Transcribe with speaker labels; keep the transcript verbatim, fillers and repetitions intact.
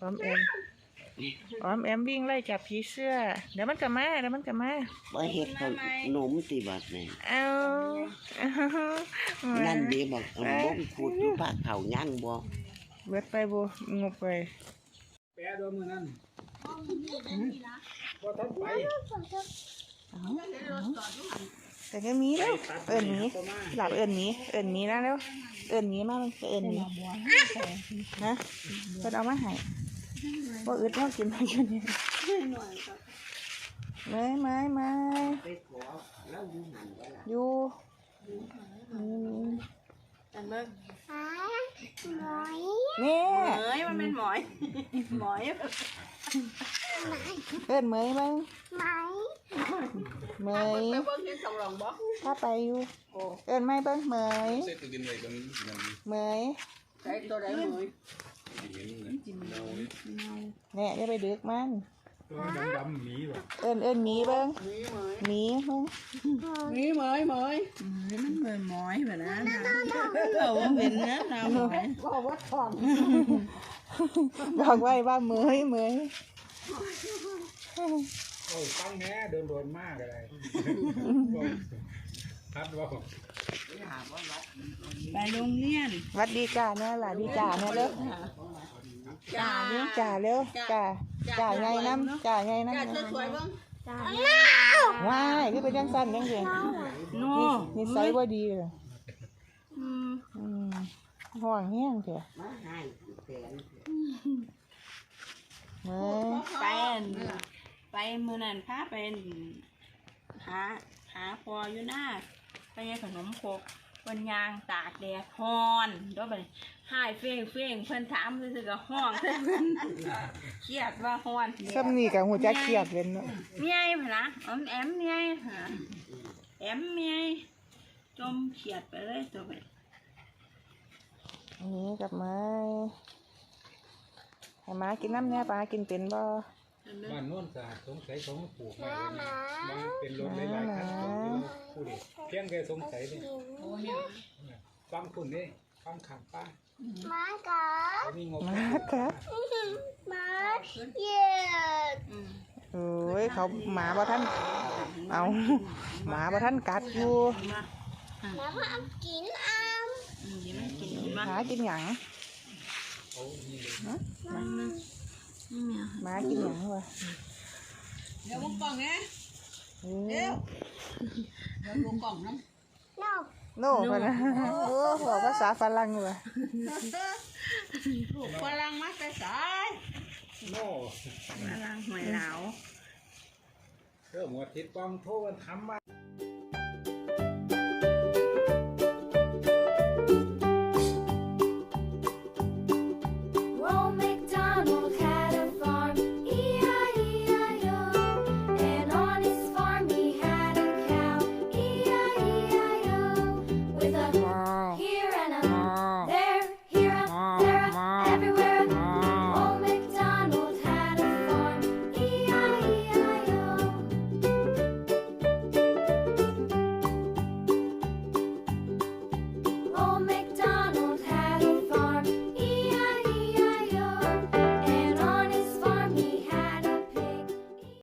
Speaker 1: อมแอมออมแอมวิ่งไล่จับผีเสื้อเดี๋ยวมันกลับมาเดี๋ยวมันกลับมา
Speaker 2: บ่เฮ็ดเขาหนมติบัดนี่
Speaker 1: เอา
Speaker 2: นั่นดีบอกบ่มพูดอยู่ภาคเขาย่างบ่
Speaker 1: เบิดไปบ่งบไป
Speaker 3: แปะโดนมือนั่นบ่ทันไป
Speaker 1: แต่ก็มีแล้วเอิ้นหมีหลับเอิ้นหมีเอิ้นหมีนะแล้วเอิ้นหมีมาเอิ้นหมีฮะเพิ่นเอามาให้บ่อึดเฮากินให้อยู่นี่ไม้ไม้ไม้อยู่
Speaker 4: อันเบิ่ง
Speaker 1: หมอยนี่
Speaker 4: เหมยมันเป็นหมอยหมอย
Speaker 1: เอิ้นเหมยมั้งเหมย
Speaker 4: ไปเบิ่งที่สองหลองบ่
Speaker 1: ถ้าไปอยู่เอิ้นไม่เบิ่งเหมยเหมย
Speaker 4: ใส่ตัวใดเหมย
Speaker 1: แน่อย่าไปดึกมัน
Speaker 3: ตัวดำๆหมีบ่
Speaker 1: เอิ้นเอิ้นหมีเบิ่งหมีเบิ่ง
Speaker 4: หมีเหมยเหมยมันเหมยหมอยแบบนั้นเราเป็นเนื้อเราหมอยบอกว่าทอง
Speaker 1: บอกไว้ว่าเหมยเหมย
Speaker 3: โอ้ตั้งแน่เดินโดนมากอะไรทัดว่า
Speaker 4: ไปโรงเรียน
Speaker 1: วัดดีจ้าเนี่ยล่ะดีจ้าเนี่ยเร็ว
Speaker 4: จ่าเร็ว
Speaker 1: จ่าเร็วจ่าจ่าไงน้ำจ่าไงน้ำ
Speaker 4: สวยๆเบิ่ง
Speaker 1: ว้ายคือเป็นยังสั้นยังเสียนี่ไซส์ว่าดีเลย
Speaker 4: อืม
Speaker 1: อืมห่วงแห้งเถอะเมื่อ
Speaker 4: ไปไปมื้อนั้นพาไปหาหาพออยู่หน้าไปยังขนมครกวันยางตากแดดฮ้อนเดี๋ยวไปหายเฟ้งเฟ้งเพิ่นถามซื่อๆก็ฮ้องเพิ่นเครียดว่าฮ้อน
Speaker 1: ซ้ำนี่กับหัวใจเครียดเป็นเนาะ
Speaker 4: เมียพุ่นนะอมแอมเมียฮะแอมเมียจมเครียดไปเลยตัวไป
Speaker 1: อันนี้กับไม้ให้ม้ากินน้ำเนี่ยปลากินเป็นบ่
Speaker 3: บ้านโน่นสะอาดสงสัยเขาปลูกมามันเป็นรถหลายๆคันของผู้เด็กเพียงแค่สงสัยนี่ฟังคุณนี่ฟังขังป้า
Speaker 1: ม้ากับม้ากับม้าเย็ดเอ้ยเขาหมาบ่ท่านเอาหมาบ่ท่านกัดอยู่
Speaker 4: หมาว่ากินอ้าม
Speaker 1: หมากินหยังหมากินหยังวะ
Speaker 4: เดี๋ยววงกล่องไงเดี๋ยวเดี๋ยววงกล่องน้ำ
Speaker 1: โน่พนะโอ้บอกภาษาฝรั่งเลย
Speaker 4: ลูกฝรั่งมาแต่สาย
Speaker 3: โน่
Speaker 4: ฝรั่งหอยเหลา
Speaker 3: เออหมดทิศกองโทษทำมา